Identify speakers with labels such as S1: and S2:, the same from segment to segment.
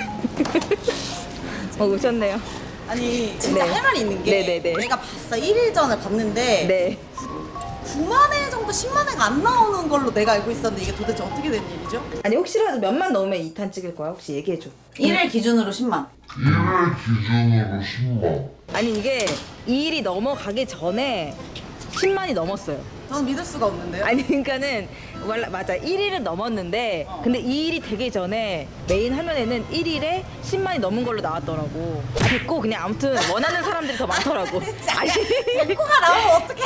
S1: 오셨네요.
S2: 아니 진짜
S1: 네.
S2: 할 말이 있는 게
S1: 네네네.
S2: 내가 봤어. 1일 전에 봤는데
S1: 네.
S2: 9만 회 정도 10만 회가 안 나오는 걸로 내가 알고 있었는데 이게 도대체 어떻게 된 일이죠?
S1: 아니 혹시라도 몇만 넣으면 2탄 찍을 거야? 혹시 얘기해줘.
S2: 1일 기준으로 10만.
S3: 1일 기준으로 10만.
S1: 아니 이게 2일이 넘어가기 전에 10만이 넘었어요.
S2: 저는 믿을 수가 없는데요.
S1: 아니 그러니까는 맞아 1일은 넘었는데 근데 2일이 되기 전에 메인 화면에는 1일에 10만이 넘은 걸로 나왔더라고. 아 됐고 그냥 아무튼 원하는 사람들이 더 많더라고. 아니
S2: 데코가 나오면 어떡해?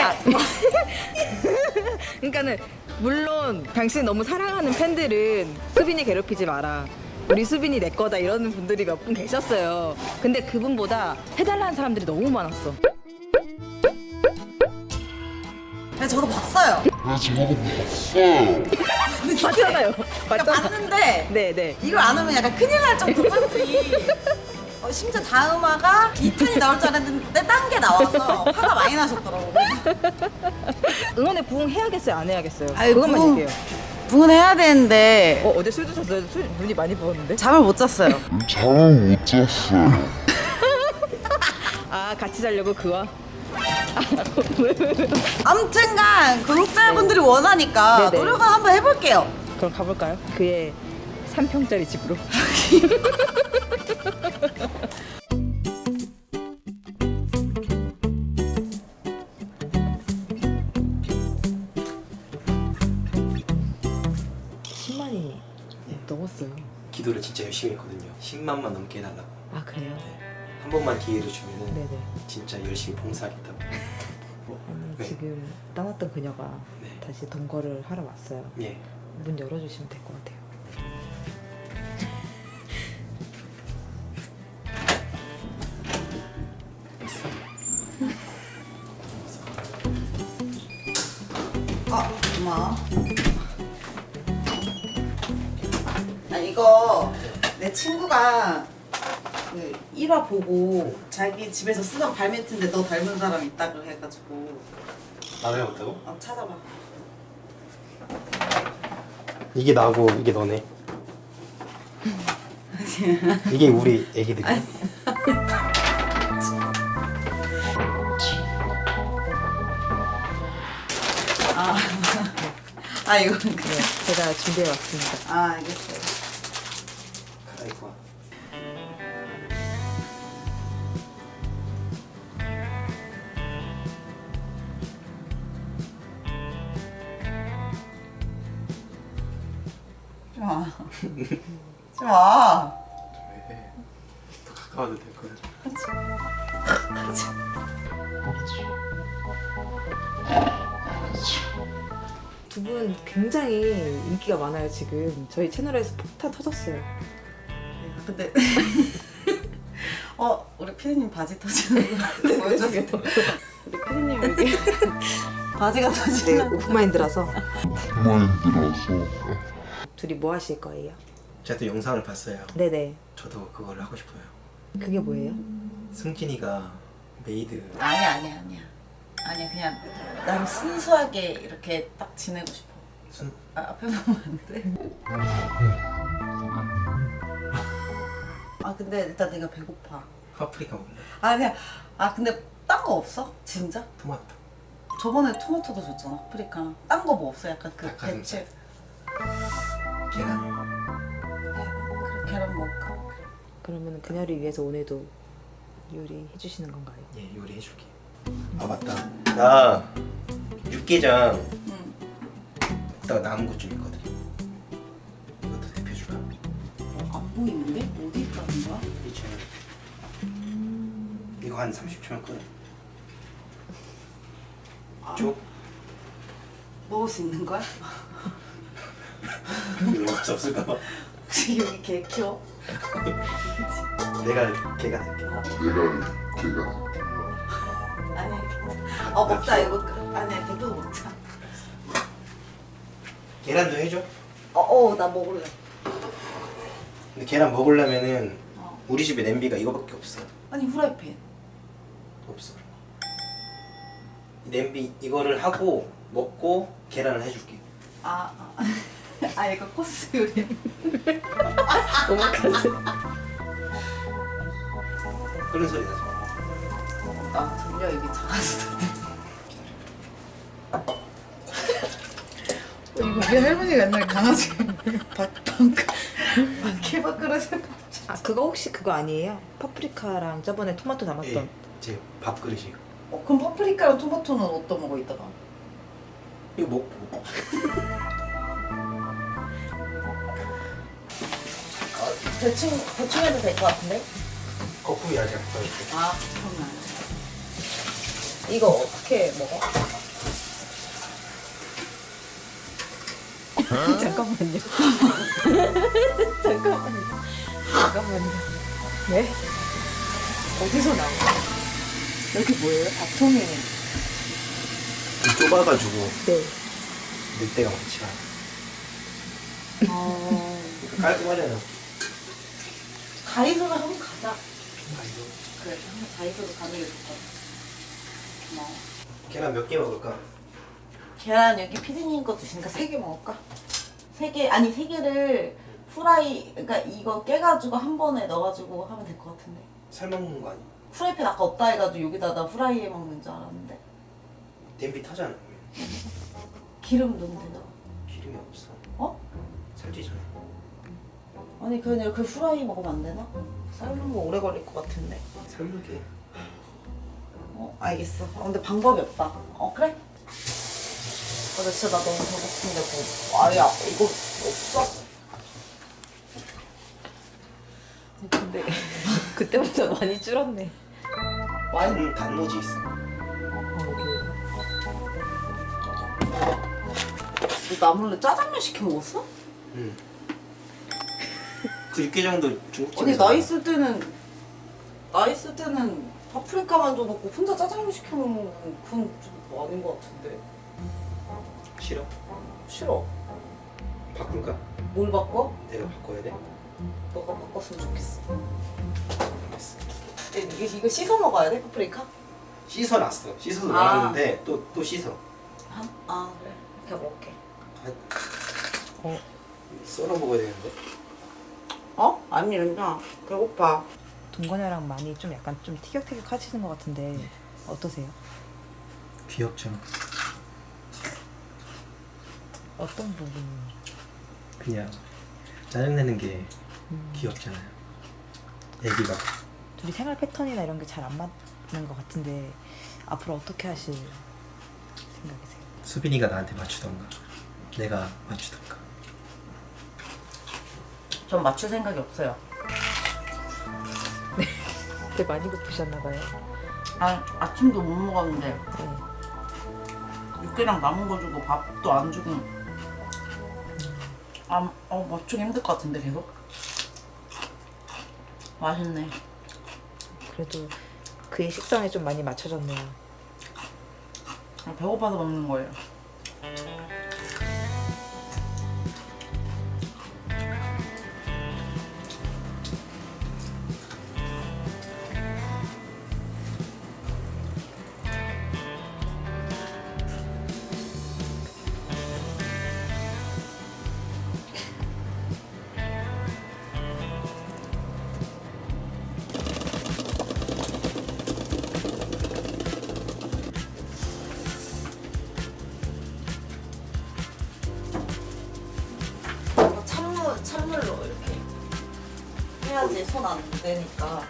S1: 그러니까는 물론 당신 너무 사랑하는 팬들은 수빈이 괴롭히지 마라. 우리 수빈이 내 거다 이러는 분들이 몇 분 계셨어요. 근데 그분보다 해달라는 사람들이 너무 많았어.
S2: 네, 저도 봤어요.
S3: 저도 봤어요.
S1: 맞잖아요.
S2: 그러니까
S1: 맞잖아.
S2: 봤는데
S1: 네네.
S2: 이걸 안 하면 약간 큰일 날 정도 팬들이 심지어 다음 화가 2탄이 나올 줄 알았는데 딴 게 나와서 화가 많이 나셨더라고요.
S1: 응원에 부응해야겠어요? 안 해야겠어요?
S2: 아유,
S1: 그것만
S2: 부응.
S1: 얘기해요.
S2: 부은해야 되는데
S1: 어제 술 드셨어요? 눈이 많이 부었는데?
S2: 잠을 못 잤어요.
S3: 잠을 못 잤어요.
S1: 아 같이 자려고 그와?
S2: 아무튼간 구독자분들이 원하니까
S1: 네네.
S2: 노력은 한번 해볼게요.
S1: 그럼 가볼까요? 그의 3평짜리 집으로. 넘었어요.
S4: 기도를 진짜 열심히 했거든요. 10만만 넘게 해달라고.
S1: 아 그래요?
S4: 한 번만 기회를 주면은
S1: 네네.
S4: 진짜 열심히 봉사하겠다고.
S1: 아니
S4: 네.
S1: 지금 떠났던 그녀가
S4: 네.
S1: 다시 동거를 하러 왔어요.
S4: 예.
S1: 문 열어주시면 될 것 같아요.
S2: 고마워. 이거 내 친구가 그 1화 보고 자기 집에서 쓰던 발매트인데 너 닮은 사람 있다고 해가지고
S4: 나도 해봤다고?
S2: 찾아봐.
S4: 이게 나고 이게 너네. 이게 우리 애기들이야.
S2: 이거
S1: 네, 제가 준비해 왔습니다.
S2: 알겠어요.
S4: 갈아입고 와.
S2: 좋아. 좋아.
S4: 왜? 더 가까워도 될 거야.
S1: 두 분 굉장히 인기가 많아요 지금. 저희 채널에서 폭탄 터졌어요.
S2: 근데 우리 피디님 바지 터지는 거 보여주세요.
S1: 우리 피디님 여기
S2: 바지가
S1: 네,
S2: 터지는.
S1: 오프마인드라서
S3: 마인드라서.
S1: 둘이 뭐 하실 거예요?
S4: 제가 또 영상을 봤어요.
S1: 네네.
S4: 저도 그걸 하고 싶어요.
S1: 그게 뭐예요?
S4: 승진이가 메이드.
S2: 아니야 그냥 난 순수하게 이렇게 딱 지내고 싶어.
S4: 순
S2: 앞에 보면 안 돼? 근데 일단 내가 배고파.
S4: 파프리카 먹을래?
S2: 아니야. 근데 딴 거 없어? 진짜?
S4: 토마토.
S2: 저번에 토마토도 줬잖아. 파프리카. 딴 거 뭐 없어? 약간 그
S4: 닭가슴살.
S2: 대체.
S4: 계란.
S2: 그래 계란 먹을까?
S1: 그러면 그녀를 위해서 오늘도 요리해 주시는 건가요?
S4: 예, 요리해줄게. 아 맞다. 나 육개장
S2: 응.
S4: 이따가 남은 것 좀 있거든. 이것도 대표줄까?
S2: 안 보이는데? 어디 있다는 거야?
S4: 이제 이거 한 30초면 끓여. 쭉.
S2: 먹을 수 있는 거야?
S4: 먹을 수 없을까봐.
S2: 혹시 여기 개 키워?
S4: 내가 걔가 될게.
S3: 내가
S2: 아니야. 먹자 이거. 아니야 대표도 먹자.
S4: 계란도 해줘.
S2: 나 먹을래.
S4: 근데 계란 먹으려면은
S2: 어.
S4: 우리 집에 냄비가 이거밖에 없어.
S2: 아니 후라이팬.
S4: 없어. 이 냄비 이거를 하고 먹고 계란을 해줄게.
S2: 아 이거 코스 요리.
S1: 오마카세.
S4: 그런 소리 나죠.
S2: 나 들려 이게 작아서. 이거 우리 할머니가 옛날에 강아지 밥그릇을
S1: 아 그거 혹시 그거 아니에요? 파프리카랑 저번에 토마토 담았던.
S4: 예, 제 밥그릇이요.
S2: 그럼 파프리카랑 토마토는 어디다 먹어 이따가?
S4: 이거 먹고.
S2: 대충 해도 될 것 같은데?
S4: 거품이 아직 안 떠있고.
S2: 아 잠깐만. 이거 어떻게 먹어?
S1: 잠깐만요. 잠깐만요. 네? 어디서 나온 거야?
S2: 여기 뭐예요? 밥통이.
S4: 좀 좁아가지고
S1: 네.
S4: 넣을 데가 많지 않아. 깔끔하잖아.
S2: 가이소를 한번 가자.
S4: 아이고.
S2: 그래, 한번 가이소로 가는 게 좋다. 고마워.
S4: 계란 몇 개 먹을까?
S2: 계란 여기 피디님 거 드시니까 3개 먹을까? 3개, 아니 3개를 후라이, 그러니까 이거 깨가지고 한 번에 넣어가지고 하면 될 것 같은데.
S4: 삶아먹는 거 아니야?
S2: 후라이팬 아까 없다 해가지고 여기다 나 후라이에 먹는 줄 알았는데.
S4: 냄비 타잖아.
S2: 기름 넣으면 되나?
S4: 기름이 없어.
S2: 어?
S4: 살찌잖아.
S2: 아니 그냥 그 후라이 먹으면 안 되나? 삶는 거 오래 걸릴 것 같은데.
S4: 삶을게.
S2: 알겠어. 근데 방법이 없다. 그래? 근데 진짜 나 너무 배고픈데 뭐. 아야 이거 없어?
S1: 근데 그때보다 많이 줄었네.
S2: 많이
S4: 단무지 있어.
S2: 너 나몰래 짜장면 시켜 먹었어?
S4: 응. 그 육개장도 중국집에서.
S2: 아니 나 있을 때는 파프리카만 줘놓고 혼자 짜장면 시켜 먹는 그건 좀 아닌 것 같은데.
S4: 싫어?
S2: 싫어.
S4: 바꿀까?
S2: 뭘 바꿔?
S4: 내가 바꿔야 돼?
S2: 너가 바꿨으면 좋겠어.
S4: 알겠어.
S2: 이거 씻어 먹어야 돼 파프리카?
S4: 씻어놨어. 씻어서
S2: 아.
S4: 놨는데 또 씻어.
S2: 아 그래. 이렇게 먹을게.
S4: 썰어 먹어야 되는데.
S2: 아니 나 배고파.
S1: 동건이랑 많이 좀 약간 좀 티격태격 하시는 것 같은데 어떠세요?
S4: 귀엽죠.
S1: 어떤 부분이?
S4: 그냥 짜증내는 게 귀엽잖아요. 애기가.
S1: 둘이 생활 패턴이나 이런 게 잘 안 맞는 것 같은데 앞으로 어떻게 하실 생각이세요?
S4: 수빈이가 나한테 맞추던가 내가 맞추던가.
S2: 전 맞출 생각이 없어요.
S1: 되게 많이 고프셨나봐요.
S2: 아침도 못 먹었는데
S1: 네.
S2: 육개랑 남은 거 주고 밥도 안 주고 맞추기 힘들 것 같은데 계속? 맛있네.
S1: 그래도 그의 식성에 좀 많이 맞춰졌네요.
S2: 배고파서 먹는 거예요. 찬물로 이렇게 해야지 손 안 되니까.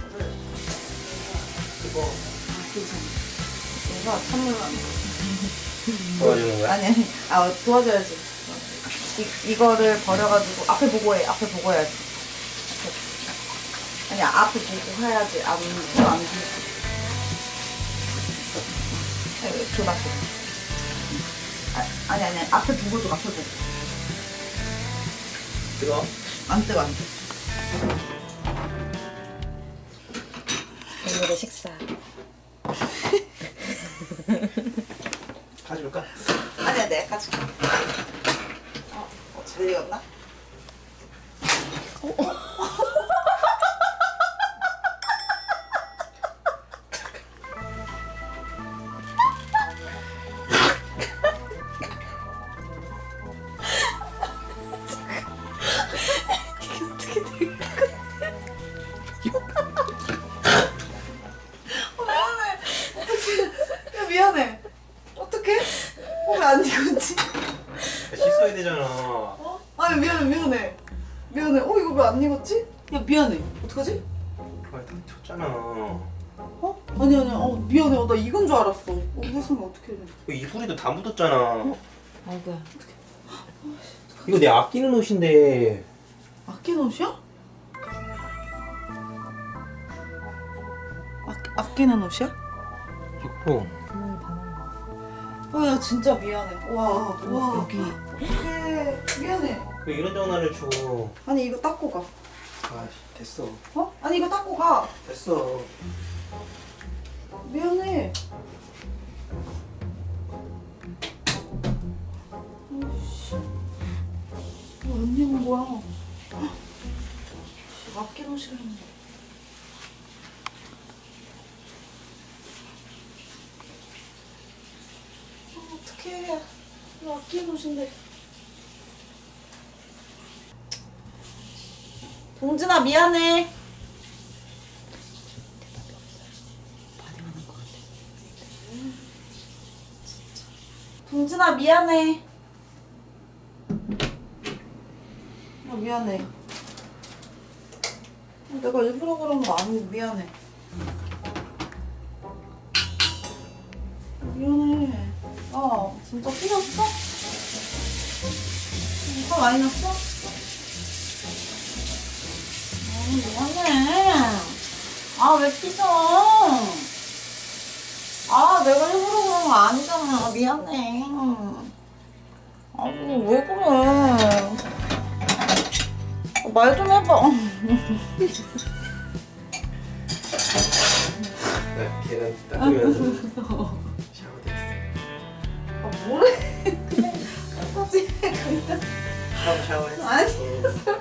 S4: 이거
S2: 괜찮아. 내가 찬물로
S4: 도와주는 거야?
S2: 아니 도와줘야지. 이거를 버려가지고 앞에 보고 해. 앞에 보고 해야지. 아니 앞에 보고 해야지. 안 줘봐. 아니 앞에 보고 줘. 앞에 보고.
S4: 뜨거?
S2: 안 뜨거.
S1: 오늘의 식사.
S4: 가져올까?
S2: 아니야 내가 가져가. 잘 익었나? 야 미안해. 어떡하지?
S4: 아, 다쳤잖아.
S2: 어? 아니 미안해. 나 이건 줄 알았어. 세상에 어떡해.
S4: 이불에도 다 묻었잖아.
S1: 아이고야.
S4: 이거 내 아끼는 옷인데.
S2: 아끼는 옷이야? 아끼는 옷이야?
S4: 이거
S2: 야 진짜 미안해. 와
S1: 여기.
S2: 어떡해. 미안해.
S4: 왜 이런 전화를 줘?
S2: 아니 이거 닦고 가.
S4: 아, 됐어.
S2: 어? 아니 이거 닦고 가.
S4: 됐어.
S2: 미안해. 안 입은 거야. 아끼는 옷이라 했는데. 어떡해. 이거 아끼는 옷인데. 동진아 미안해. 동진아 미안해. 미안해. 내가 일부러 그런 거 아니고 미안해. 미안해. 진짜 삐졌어? 화 많이 났어? 미안해. 왜 삐져? 내가 일부러 그런 거 아니잖아. 미안해. 왜 그래? 말 좀 해봐.
S4: 나 계란 닦으면서 샤워됐어.
S2: 뭐래? 똑같이 그냥.
S4: 샤워했어.
S2: 아니